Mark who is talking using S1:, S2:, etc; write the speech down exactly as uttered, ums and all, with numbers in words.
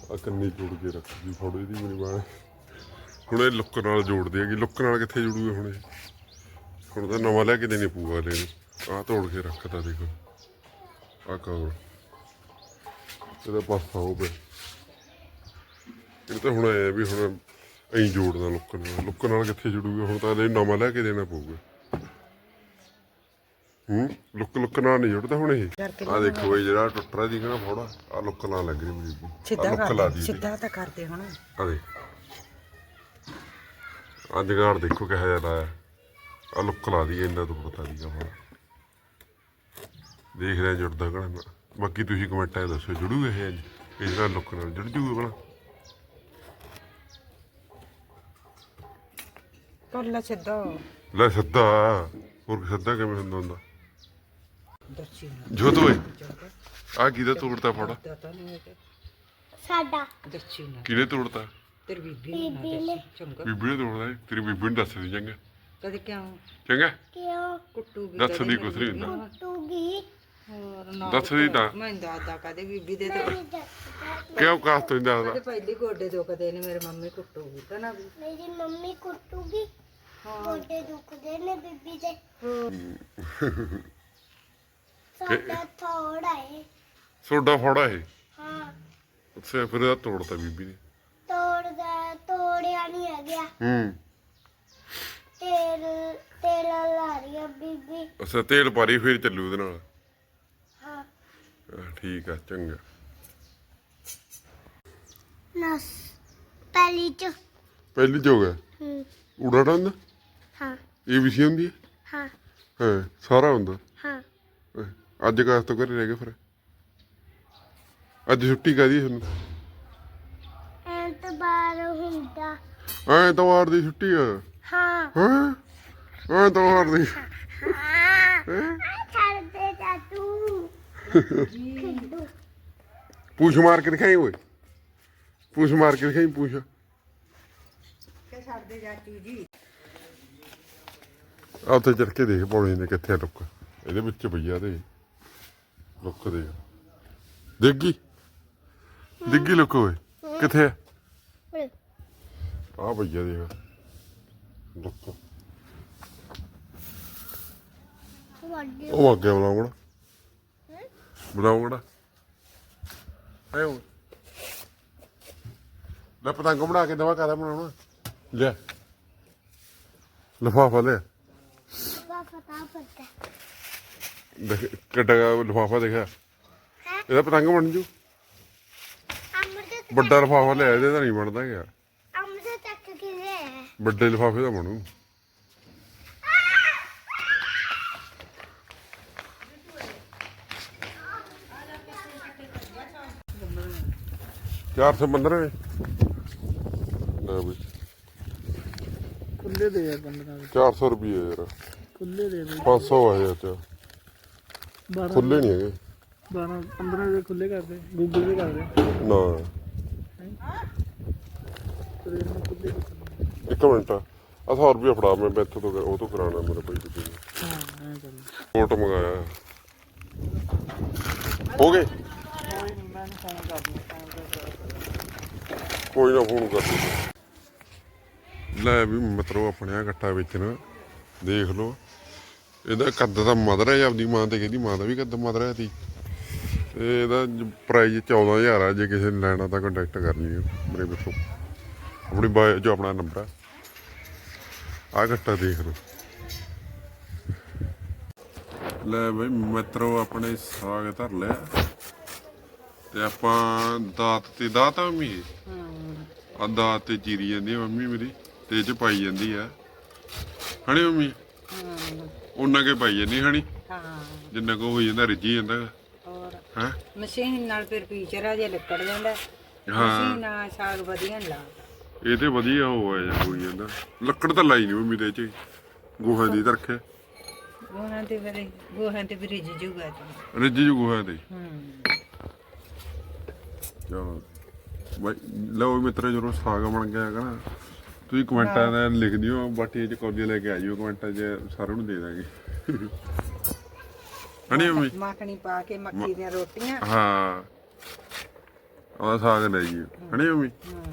S1: ਆ ਕੰਨੀ ਜੋੜ ਕੇ ਰੱਖਦੀ ਫੋਟੋ ਇਹਦੀ ਮੇਰੀ ਬਾਣ ਹੁਣ ਇਹ ਲੁੱਕ ਨਾਲ ਜੋੜਦੀ ਹੈਗੀ ਲੁੱਕ ਨਾਲ ਕਿੱਥੇ ਜੁੜੂਗੇ ਹੁਣ ਇਹ ਹੁਣ ਤਾਂ ਨਵਾਂ ਲੈ ਕੇ ਦੇਣੀ ਪਊਗਾ ਲੈ ਨੂੰ ਆਹ ਤੋੜ ਕੇ ਰੱਖਦਾ ਦੇਖੋ ਆਹ ਕਵਰ ਇਹਦਾ ਪਾਸਾ ਹੋ ਪਿਆ ਇਹ ਤਾਂ ਹੁਣ ਆਇਆ ਵੀ ਹੁਣ ਐਂ ਜੋੜਦਾ ਲੁੱਕ ਨਾਲ ਲੁੱਕ ਨਾਲ ਕਿੱਥੇ ਜੁੜੂਗਾ ਹੁਣ ਤਾਂ ਇਹ ਨਵਾਂ ਲੈ ਕੇ ਦੇਣਾ ਪਊਗਾ ਹੂੰ ਲੁੱਕ ਲੁੱਕ ਨਾਲ ਨਹੀਂ ਜੁੜਦਾ ਹੁਣ ਇਹ ਆਹ ਦੇਖੋ ਬਈ ਜਿਹੜਾ ਟੁੱਟ ਰਿਹਾ ਸੀਗਾ ਨਾ ਫੋੜਾ ਆਹ ਲੁੱਕ ਨਾਲ ਲੱਗ ਰਹੀ ਮੇਰੀ
S2: ਸਿੱਧਾ ਲਾ ਦੀ ਸਿੱਧਾ ਤਾਂ ਕਰਦੇ ਹੁਣ
S1: ਆ ਦੇ ਆ ਜਗਾੜ ਦੇਖੋ ਕਿਹੋ ਜਿਹਾ ਲਾਇਆ ਆ ਲੁੱਕ ਲਾ ਦੀ ਇੰਨਾ ਤੋਂ ਪਤਾ ਨਹੀਂ ਹੁਣ ਦੇਖ ਰਿਹਾ ਜੁੜਦਾ ਕਿ ਬਾਕੀ ਤੁਸੀਂ ਕਮੈਂਟਾਂ 'ਚ ਦੱਸੋ ਜੁੜੂਗਾ ਇਹ ਅੱਜ ਇਹ ਜਿਹੜਾ ਲੁੱਕ ਨਾਲ ਜੁੜ ਜੂਗਾ ਭਲਾ
S2: ਕਰ ਲੈ ਸਿੱਧਾ
S1: ਲੈ ਸਿੱਧਾ ਹੋਰ ਸਿੱਧਾ ਕਿਵੇਂ ਹੁੰਦਾ ਹੁੰਦਾ
S2: ਦੱਸੀ
S1: ਜੋਤ ਓਏ ਆ ਕਿਹਦਾ ਤੋੜਤਾ ਫੋੜਾ
S3: ਸਾਡਾ
S2: ਦੱਸੀ ਨਾ
S1: ਕਿਹਨੇ ਤੋੜਤਾ
S2: ਤੇਰੀ ਬੀਬੀ ਨੇ ਚੰਗਾ
S1: ਬੀਬੀ ਨੇ ਤੋੜਦਾ ਤੇਰੀ ਬੀਬੀ ਨੂੰ ਦੱਸ ਦੀ ਚੰਗਾ
S2: ਕਦੇ ਕਿਉਂ
S1: ਚੰਗਾ
S3: ਕਿਉਂ
S2: ਕੁੱਟੂਗੀ
S1: ਦੱਸ ਦੀ ਕੁਛ ਨਹੀਂ ਹੁੰਦਾ
S3: ਟੂਗੀ
S2: ਹੋਰ ਨਾ
S1: ਦੱਸ ਦੀ ਤਾਂ
S2: ਮੈਂ ਦਾਦਾ ਕਦੇ ਬੀਬੀ ਦੇ ਤੇ
S1: ਕਿਉਂ ਕਾਸ ਤੋਂ ਦੱਸਦਾ
S2: ਕਦੇ ਪਹਿਲੀ ਗੋਡੇ ਦੁਖਦੇ ਨੇ ਮੇਰੇ ਮੰਮੀ ਕੁੱਟੂਗੀ ਤਾਂ ਨਾ ਵੀ
S3: ਮੇਰੀ ਮੰਮੀ ਕੁੱਟੂਗੀ ਗੋਡੇ ਦੁਖਦੇ ਨੇ ਬੀਬੀ ਦੇ ਸਾਡਾ ਥੋੜਾ ਹੈ
S1: ਸੋਡਾ ਫੋੜਾ ਇਹ
S3: ਹਾਂ
S1: ਅੱਛਾ ਫਿਰ ਇਹਦਾ ਤੋੜਤਾ ਬੀਬੀ ਨੇ
S3: ਤੋੜਦਾ ਤੋੜਿਆ ਨਹੀਂ ਆ ਗਿਆ
S1: ਹੂੰ
S3: ਤੇਲ ਤੇਲ ਲਾ ਰਹੀ ਆ ਬੀਬੀ
S1: ਅੱਛਾ ਤੇਲ ਪਾਰੀ ਫਿਰ ਚੱਲੂ ਉਹਦੇ ਨਾਲ
S3: ਹਾਂ
S1: ਆਹ, ਠੀਕ ਆ ਚੰਗਾ
S3: ਨਸ ਪਹਿਲੀ ਚ
S1: ਪਹਿਲੀ ਜੋ ਗਿਆ
S3: ਹੂੰ
S1: ਊੜਾ ਡੰਦ
S3: ਹਾਂ
S1: ਇਹ ਵੀ ਸੀ ਹੁੰਦੀ ਹੈ
S3: ਹਾਂ
S1: ਹਾਂ ਸਾਰਾ ਹੁੰਦਾ
S3: ਹਾਂ
S1: ਅਹ, ਅੱਜ ਕਾਸ ਤੋਂ ਘਰੇ ਰਹਿ ਗਏ ਫਿਰ ਅੱਜ ਛੁੱਟੀ ਕਾਹਦੀ ਤੁਹਾਨੂੰ
S3: ਐਤਵਾਰ ਹੁੰਦਾ
S1: ਐਤਵਾਰ ਦੀ ਛੁੱਟੀ ਆ
S3: ਹਾਂ
S1: ਹਾਂ ਐਤਵਾਰ ਦੀ
S3: ਹਾਂ ਛੱਡ ਦੇ ਜਾ ਤੂੰ ਖਿੱਡੂ
S1: ਪੂਛ ਮਾਰ ਕੇ ਦਿਖਾਈ ਓਏ ਪੂਛ ਮਾਰ ਕੇ ਦਿਖਾਈ ਪੂਛ
S2: ਕਿ ਛੱਡਦੇ ਜਾਚੂ ਜੀ
S1: ਆ ਉੱਥੇ ਚੜ ਕੇ ਦੇਖ ਪੌੜੀ ਨੇ ਕਿੱਥੇ ਆ ਲੁੱਕ ਇਹਦੇ ਵਿੱਚ ਪਈਆ ਤੇ ਲੁੱਕ ਦੇ ਦੇਖੀ ਦੇਖੀ ਲੁੱਕ ਓਏ ਕਿੱਥੇ ਆ ਆ ਪਈਆ ਦੇਖ ਲੁੱਕ
S3: ਵੱਡੀ
S1: ਉਹ ਅੱਗੇ ਬੁਲਾਉਂਗਾ ਬੁਲਾਉਂਗਾ ਆਇਓ ਲੈ ਪਤੰਗ ਬਣਾ ਕੇ ਦਵਾ ਕਾਹਦਾ ਬਣਾਉਣਾ ਲੈ ਲਿਫਾਫਾ ਲੈ
S3: ਦਾ ਪਤਾ ਪਤਾ
S1: ਦੇਖ ਕਿੱਡਾ ਲਿਫਾਫਾ ਦੇਖਿਆ ਇਹਦਾ ਪਤੰਗ ਬਣ ਜੂ
S3: ਅਮਰਤ
S1: ਵੱਡਾ ਲਿਫਾਫਾ ਲਿਆ ਇਹਦੇ ਤਾਂ ਨਹੀਂ ਬਣਦਾ ਗਿਆ
S3: ਅਮਰਤ ਤੱਕ ਕਿਵੇਂ
S1: ਵੱਡੇ ਲਿਫਾਫੇ ਦਾ ਬਣੂ ਚਾਰ ਸੌ ਪੰਦਰਾਂ ਨੇ ਲੈ ਬਈ
S2: ਖੁੱਲੇ ਦੇ ਆ ਪੰਦਰਾਂ
S1: ਚਾਰ ਸੌ ਰੁਪਏ ਯਾਰ
S2: ਖੁੱਲੇ ਦੇ ਦੇ
S1: ਪੰਜ ਸੌ ਆਏ ਅੱਛਾ ਖੁੱਲੇ ਨਹੀਂ ਹੈਗੇ
S2: ਬਾਰਾਂ ਪੰਦਰਾਂ ਦੇ ਖੁੱਲੇ ਕਰਦੇ ਗੂਗਲ ਦੇ ਕਰਦੇ
S1: ਨਾ
S2: ਤੇ ਖੁੱਲੇ
S1: ਇੱਕ ਮਿੰਟ ਆ ਸੌ ਰੁਪਏ ਫੜਾ ਮੈਂ ਇੱਥੋਂ ਤੋਂ ਉਹ ਤੋਂ ਕਰਾਉਣਾ ਮੇਰੇ ਭਾਈ ਤੁਸੀਂ
S2: ਹਾਂ ਐਂ ਕਰ
S1: ਕੋਟ ਮੰਗਾਇਆ ਹੋ ਗਏ
S2: ਕੋਈ ਨਹੀਂ ਮੈਂ ਫੋਨ ਕਰ ਦੂੰ
S1: ਕੋਈ ਨਾ ਫੋਨ ਕਰ ਦੇ ਲੈ ਵੀ ਮਤਲਬ ਆਪਣੇ ਆ ਗੱਟਾ ਵੇਚਣਾ ਦੇਖ ਲਓ ਇਹਦਾ ਕੱਦ ਤਾਂ ਮਦਰ ਹੈ ਆਪਦੀ ਮਾਂ ਤੇ ਕਹਿੰਦੀ ਮਾਂ ਦਾ ਵੀ ਕੱਦ ਮਦਰ ਹੈ ਤੀ ਤੇ ਇਹਦਾ ਪ੍ਰਾਈਜ਼ ਚੌਦਾਂ ਹਜ਼ਾਰ ਆ ਜੇ ਕਿਸੇ ਨੇ ਲੈਣਾ ਤਾਂ ਕੰਟੈਕਟ ਕਰ ਲਿਓ ਮੇਰੇ ਵਿੱਚੋਂ ਆਪਣੀ ਬਾਇਓ ਜੋ ਆਪਣਾ ਨੰਬਰ ਆ ਆ ਗੱਟਾ ਦੇਖ ਲਓ ਲੈ ਬਈ ਮਿੱਤਰੋ ਆਪਣੇ ਸਾਗ ਧਰ ਲਿਆ ਤੇ ਆਪਾਂ ਦਾਤ ਤੇ ਦਾਤ ਆ ਮੰਮੀ ਆ ਦਾਤ ਤੇ ਚੀਰੀ ਜਾਂਦੀ ਆ ਮੰਮੀ ਮੇਰੀ ਤੇ ਇਹ ਚ ਪਾਈ ਜਾਂਦੀ ਆ ਹਣੀ ਮੰਮੀ ਉਹਨਾਂ ਕੇ ਪਾਈ ਜਾਂਦੀ ਹਣੀ
S2: ਹਾਂ
S1: ਜਿੰਨਾ ਕੋ ਹੋ ਜਾਂਦਾ ਰਿੱਝੀ ਜਾਂਦਾ
S2: ਹੋਰ
S1: ਹੈ
S2: ਮਸ਼ੀਨ ਨਾਲ ਫਿਰ ਪੀਚਰਾ ਜੇ ਲੱਕੜ ਜਾਂਦਾ
S1: ਹਾਂ
S2: ਮਸ਼ੀਨ ਨਾਲ ਸਾਗ ਵਧੀਆ ਨੀ ਲਾ
S1: ਇਹ ਤੇ ਵਧੀਆ ਹੋ ਆ ਜਾਂ ਹੋਈ ਜਾਂਦਾ ਲੱਕੜ ਤਾਂ ਲਾਈ ਨਹੀਂ ਮੰਮੀ ਦੇ ਚ ਗੋਹਾ ਦੀ ਰੱਖਿਆ
S2: ਗੋਹਾਂ ਤੇ ਫਿਰ ਗੋਹਾਂ ਤੇ ਫਿਰ ਰਿੱਝ ਜੂਗਾ ਤੂੰ
S1: ਰਿੱਝ ਜੂ ਗੋਹਾ ਦੇ
S2: ਹੂੰ
S1: ਚਲੋ ਬਾਈ ਲਓ ਮਿੱਤਰੋ ਜਦੋਂ ਸਾਗ ਬਣ ਗਿਆ ਹੈਗਾ ਨਾ ਤੁਸੀਂ ਕਮੈਂਟਾਂ ਦਾ ਲਿਖ ਦਿਓ ਬਾਟੀ ਚ ਕੌਡੀਆਂ ਲੈ ਕੇ ਆ ਜਿਓ ਕਮੈਂਟਾਂ 'ਚ ਸਾਰਿਆਂ ਨੂੰ ਦੇ ਦਾਂਗੇ ਹਣੀ ਮੰਮੀ
S2: ਮੱਖਣੀ ਪਾ ਕੇ ਮੱਕੀ ਦੀਆਂ ਰੋਟੀਆਂ
S1: ਹਾਂ ਆ ਸਾਗ ਲੈ ਜੀ ਹਣੀ ਮੰਮੀ
S2: ਹਾਂ